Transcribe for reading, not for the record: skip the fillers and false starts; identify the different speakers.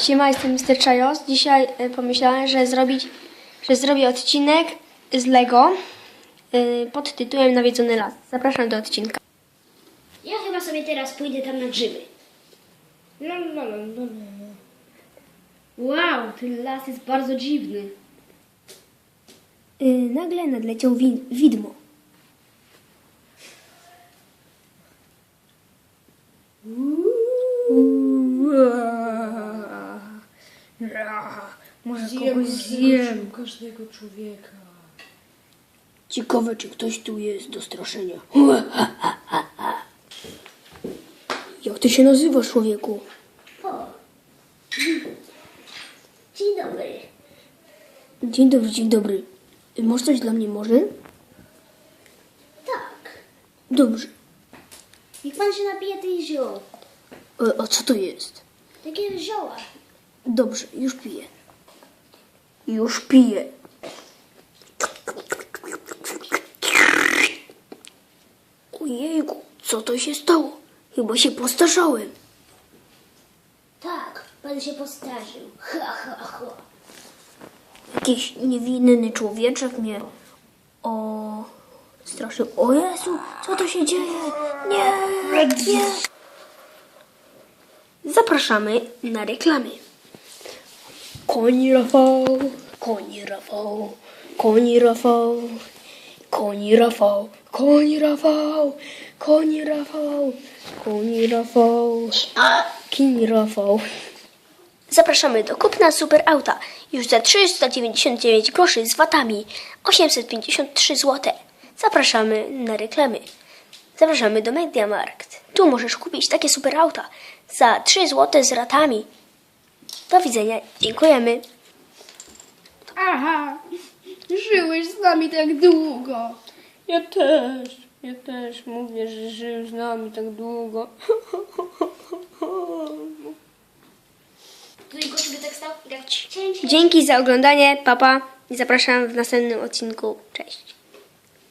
Speaker 1: Siema, jestem Mr. Chajos. Dzisiaj pomyślałem, że zrobię odcinek z Lego pod tytułem Nawiedzony las. Zapraszam do odcinka.
Speaker 2: Ja chyba sobie teraz pójdę tam na grzyby.
Speaker 1: Wow, ten las jest bardzo dziwny. Nagle nadleciał widmo. Może kogoś zjem.
Speaker 3: Każdego człowieka.
Speaker 1: Ciekawe, czy ktoś tu jest do straszenia. Jak ty się nazywasz, człowieku?
Speaker 2: O. Dzień dobry.
Speaker 1: Dzień dobry, dzień dobry. Masz coś dla mnie może?
Speaker 2: Tak.
Speaker 1: Dobrze.
Speaker 2: Niech pan się napije tej zioł.
Speaker 1: A co to jest?
Speaker 2: Takie zioła.
Speaker 1: Dobrze, już piję. Już piję. Ojejku, co to się stało? Chyba się postarzałem.
Speaker 2: Tak, pan się postarzył. Ha, ha, ha.
Speaker 1: Jakiś niewinny człowieczek mnie straszył. O Jezu, co to się dzieje? Nie, nie. Zapraszamy na reklamy. Koni Rafał, koni Rafał, koni Rafał, koni Rafał, koni Rafał, koni Rafał, koni Rafał, koni Rafał. Zapraszamy do kupna super auta już za 399 groszy z VAT-ami, 853 zł. Zapraszamy na reklamy. Zapraszamy do MediaMarkt. Tu możesz kupić takie super auta za 3 zł z ratami. Do widzenia. Dziękujemy.
Speaker 3: Aha, żyłeś z nami tak długo. Ja też mówię, że żył z nami tak długo.
Speaker 2: Tutaj go sobie tak stał i tak
Speaker 1: Dzięki za oglądanie. Papa. I zapraszam w następnym odcinku. Cześć.